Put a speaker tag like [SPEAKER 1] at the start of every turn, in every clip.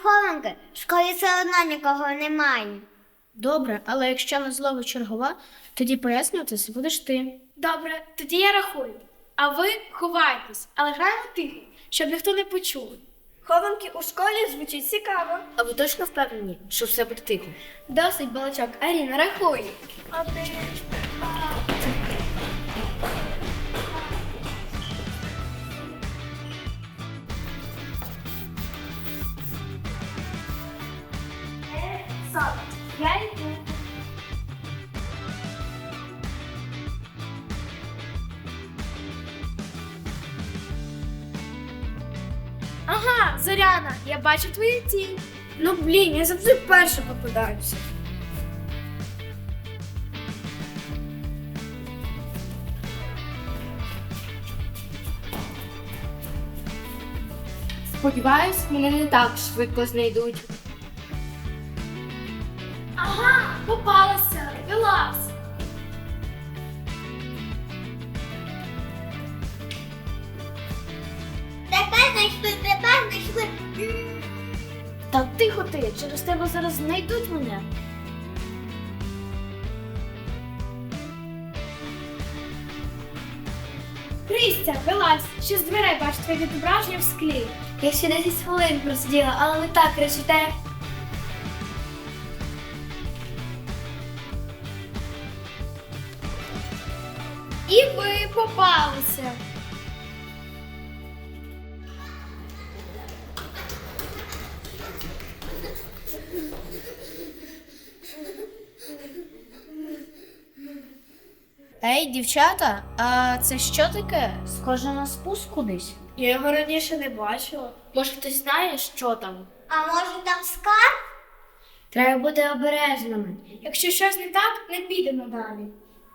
[SPEAKER 1] хованки. В школі все одно нікого немає.
[SPEAKER 2] Добре, але якщо на злови чергова, тоді пояснюватися будеш ти.
[SPEAKER 3] Добре, тоді я рахую. А ви ховайтесь, але граємо тихо, щоб ніхто не почув. Хованки у школі звучить цікаво.
[SPEAKER 2] А ви точно впевнені, що все буде тихо?
[SPEAKER 3] Досить, балачок. Аріна, рахуй. Я йду. Ага, Зоряна, я бачу твою тінь. Ну блін, я завжди перша попадаюся.
[SPEAKER 2] Сподіваюсь, мене не так швидко знайдуть.
[SPEAKER 3] Ага, попалася, вилазь.
[SPEAKER 1] Тепер знайшли.
[SPEAKER 2] Та тихо ти, через тебе зараз знайдуть мене.
[SPEAKER 3] Христя, вилазь, ще з дверей бачу твоє відображення в склі.
[SPEAKER 1] Я ще 10 хвилин просиділа, але ви так кричите.
[SPEAKER 3] І ви попалися.
[SPEAKER 2] Ей, дівчата, а це що таке? Схоже на спуск кудись.
[SPEAKER 3] Я його раніше не бачила.
[SPEAKER 2] Може, хтось знає, що там?
[SPEAKER 1] А може там скарб?
[SPEAKER 2] Треба бути обережними.
[SPEAKER 3] Якщо щось не так, не підемо далі.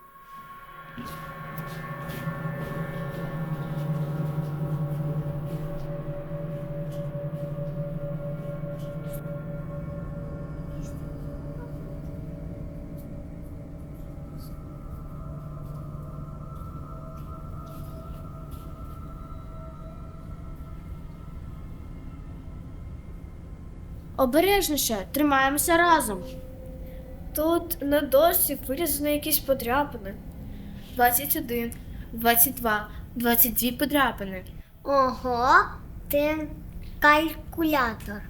[SPEAKER 2] Обережніше, тримаємося разом.
[SPEAKER 3] Тут на дошці вирізано якісь подряпини. 21, 22, 22 подряпини.
[SPEAKER 1] Ого, ти калькулятор.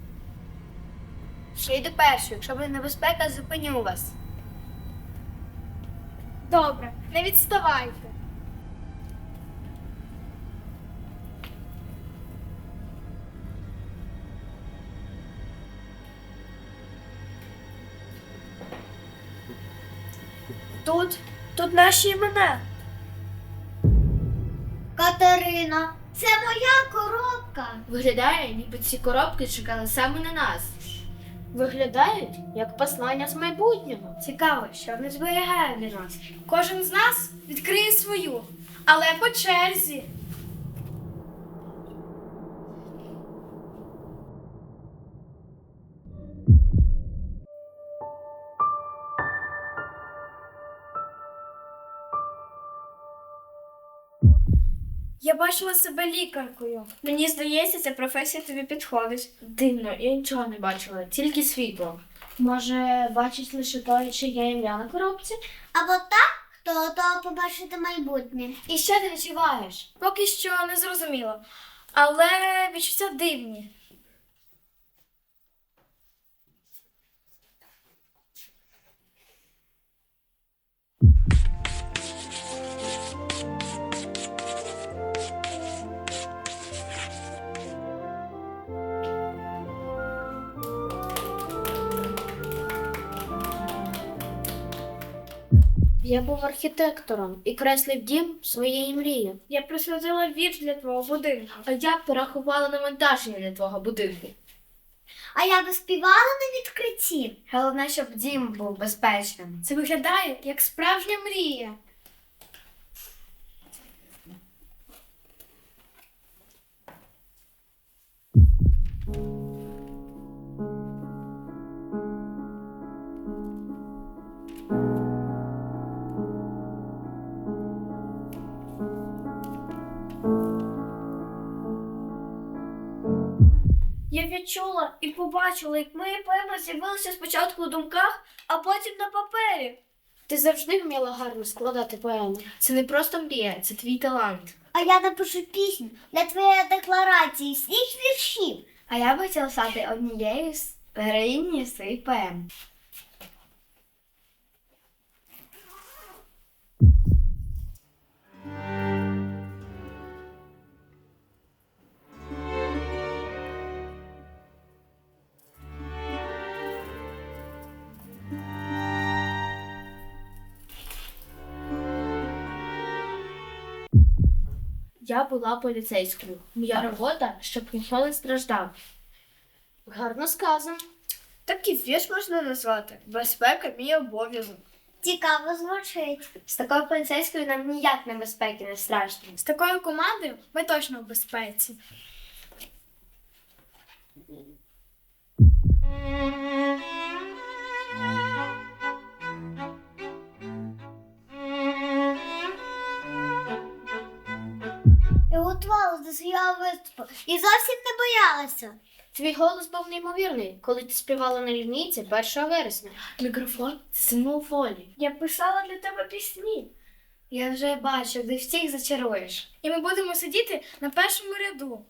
[SPEAKER 2] Ще йду першою, якщо буде небезпека, зупиню вас.
[SPEAKER 3] Добре, не відставайте. Тут наші імена.
[SPEAKER 1] Катерина, це моя коробка.
[SPEAKER 2] Виглядає, ніби ці коробки чекали саме на нас. Виглядають, як послання з майбутнього.
[SPEAKER 3] Цікаво, що вони зберігають для нас. Кожен з нас відкриє свою, але по черзі. Я бачила себе лікаркою. Мені здається, ця професія тобі підходить.
[SPEAKER 2] Дивно, я нічого не бачила, тільки світло. Може, бачить лише той, чиє ім'я на коробці?
[SPEAKER 1] Або так, хто готовий побачити майбутнє.
[SPEAKER 2] І що ти відчуваєш?
[SPEAKER 3] Поки що не зрозуміло. Але відчуття дивні.
[SPEAKER 2] Я був архітектором і креслив дім своєї мрії.
[SPEAKER 3] Я присвятила вірш для твого будинку.
[SPEAKER 2] А я порахувала навантаження для твого будинку.
[SPEAKER 1] А я би співала на відкритті.
[SPEAKER 2] Головне, щоб дім був безпечним.
[SPEAKER 3] Це виглядає як справжня мрія. Я відчула і побачила, як мої поеми з'явилися спочатку у думках, а потім на папері.
[SPEAKER 2] Ти завжди вміла гарно складати поеми. Це не просто мрія, це твій талант.
[SPEAKER 1] А я напишу пісню для твоєї декларації всіх віршів.
[SPEAKER 2] А я б хотіла стати однією з героїні своїх поем. Я була поліцейською. Моя робота, щоб ніхто не страждав. Гарно сказано.
[SPEAKER 3] Так і вірш можна назвати. Безпека мій обов'язок.
[SPEAKER 1] Цікаво звучить.
[SPEAKER 2] З такою поліцейською нам ніяк небезпеки не страшно.
[SPEAKER 3] З такою командою ми точно в безпеці.
[SPEAKER 1] Я готувалася до свого виступу і зовсім не боялася.
[SPEAKER 2] Твій голос був неймовірний, коли ти співала на лінійці 1 вересня. Мікрофон – це символ волі.
[SPEAKER 3] Я писала для тебе пісні.
[SPEAKER 2] Я вже бачу, ти всіх зачаруєш.
[SPEAKER 3] І ми будемо сидіти на першому ряду.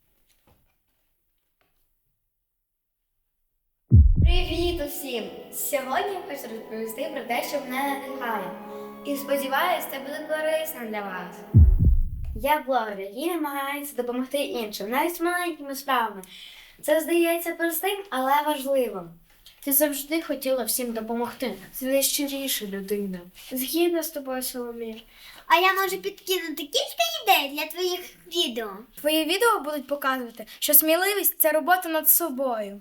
[SPEAKER 2] Привіт усім! Сьогодні я хочу розповісти про те, що мене надихає. І сподіваюся, це буде корисно для вас. Я блогер, який намагається допомогти іншим, навіть з маленькими справами. Це здається простим, але важливим. Ти завжди хотіла всім допомогти. Ти найщиріша людина.
[SPEAKER 3] Згідно з тобою, Соломір.
[SPEAKER 1] А я можу підкинути кілька ідей для твоїх відео.
[SPEAKER 3] Твої відео будуть показувати, що сміливість – це робота над собою.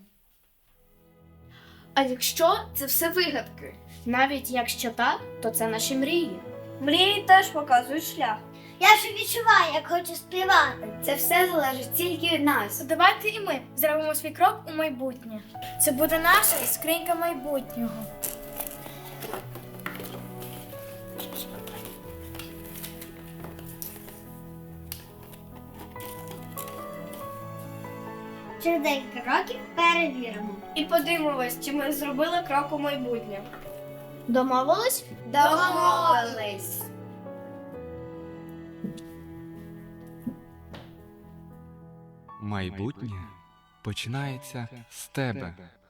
[SPEAKER 2] А якщо це все вигадки? Навіть якщо так, то це наші мрії.
[SPEAKER 3] Мрії теж показують шлях.
[SPEAKER 1] Я вже відчуваю, як хочу співати.
[SPEAKER 2] Це все залежить тільки від нас.
[SPEAKER 3] Давайте і ми зробимо свій крок у майбутнє. Це буде наша скринька майбутнього.
[SPEAKER 1] Через декілька років перевіримо.
[SPEAKER 3] І подивимось, чи ми зробили крок у майбутнє.
[SPEAKER 2] Домовились?
[SPEAKER 3] Домовились!
[SPEAKER 4] Майбутнє починається з тебе.